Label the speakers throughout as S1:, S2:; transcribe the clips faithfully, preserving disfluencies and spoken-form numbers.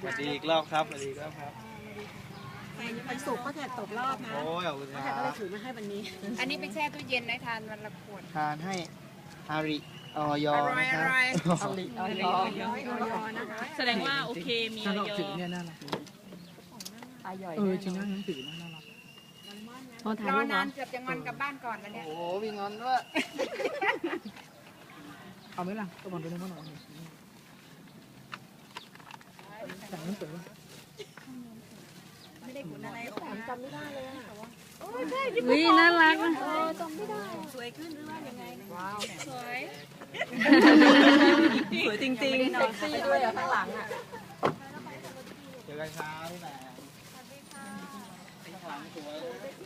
S1: สวัสดีอีกรอบครับสวัสดีอีกรอบครับ
S2: วันศุกร์ก็แขกตกรอบนะ
S1: โอ้ยขอบคุณค
S2: แข
S1: รั
S2: กก็เลย
S1: บ
S2: ถือมาให้วันนี้
S3: อันนี้ไปแช่ตู้เย็นได้ทานวันละขวด
S1: ทานให้อาริออยอ
S3: อร่อย
S1: นะค
S3: อ
S1: รับ
S3: ร่อย
S1: อาริออยอ
S2: ยอนะคะ
S4: แสดงว่าโอเคมีอ
S5: ถ้าเรา
S4: อย
S5: ถือเนี่ยน่ารัก เออจริงนะหนังสือน่ารัก
S2: พอถ่าย
S3: รอ
S2: รูป
S3: นา
S2: นะ
S3: นเกือบจะงอนกลับบ้านก่อนแล้วเนี่ย
S1: โอ้โหมีงอนด้วย
S5: เอาไหมล่ะตัวบอลไปเล่นบ้านหน่อยแต่งหนังสือ
S2: จำไม่ได้เลยอ่ะ
S4: วิน่ารักนะ
S2: จำไม่ได้สวยขึ้นหรือว่ายังไงว้าว
S3: สวย
S4: สวยจริง
S2: เซ็กซี่ด้วยอ่ะข้างหลังอ่ะ
S1: เจอกันเช้าที่ไหนข้างหลังสวย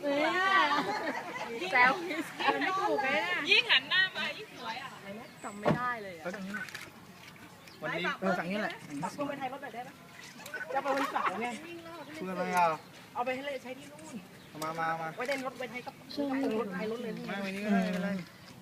S3: แซวไม่ถูกเลยนะ
S4: ๆ ยิ่งหันหน้ามายิ่งสวยอ่ะ
S2: จำไม่ได้เลย
S5: แล้วตรงนี้
S1: วันนี้
S5: เออจากนี้แหละ
S2: คุณไปไทยรถแบบได้ไหมจะไปวันเสาร์ไง
S1: เพื่อนอะไรอ่ะ
S2: เอาไปให้เลยใช้ที่นู่น
S1: มามามา
S2: ไว้เดินรถไว้ไทยกับรถไทยรถเลย
S1: ไม่วันนี้ก็ได้ไม่เป็นไร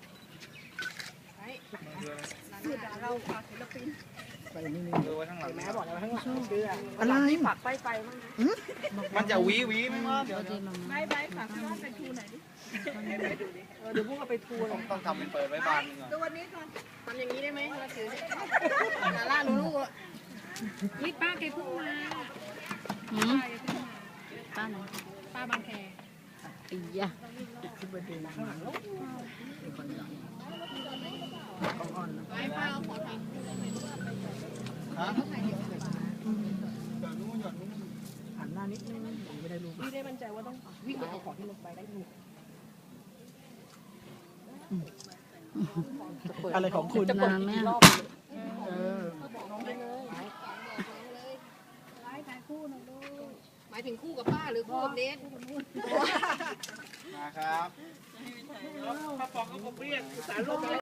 S2: เราฝากศิลปิน
S5: ไปนี่นี่
S1: ดูไว้ข้างหลัง
S2: แม่บอกแล้วข้างหลังเชื่อ
S5: อะไร
S2: ฝากไฟไฟมั้ง
S1: มันจะวีวีไหมวะเดี๋ยว
S2: ไม่ไม่ฝากพี่ว่าเป็นทูไหนดิเดี๋ยวพวกเราไปทัวร์
S1: ต้องต้องทำเป็นเปิดไว้บานนึงอ่ะ
S2: ดูวันนี้ก่อนทำอย่างนี้ได้ไหมเราถือนาล่าลูลู
S3: นี่ป้าแกเพิ่งมา
S4: หืม
S3: ป้าไหนป้าบางแค
S4: อียะ
S5: ที่ประเด็นมาเป็นคนดังต้องอ่อนนะ
S3: ไม่ป้าเอาขอทาง
S1: ฮะหยอดนู้นหยอดนู้น
S5: หันหน้านิดนึงไม่ได้รูป
S2: พี่ได้มั่นใจว่าต้องวิ่งไปเอาของที่ลงไปได้ถูก
S5: อะไรของคุณ
S2: จะกดกี่รอบ
S5: เออ
S3: หมายถึงคู่กับป้าหรือคู่กับเดท
S1: มาครับ
S2: ป้าปองเขาเรียกสารโลก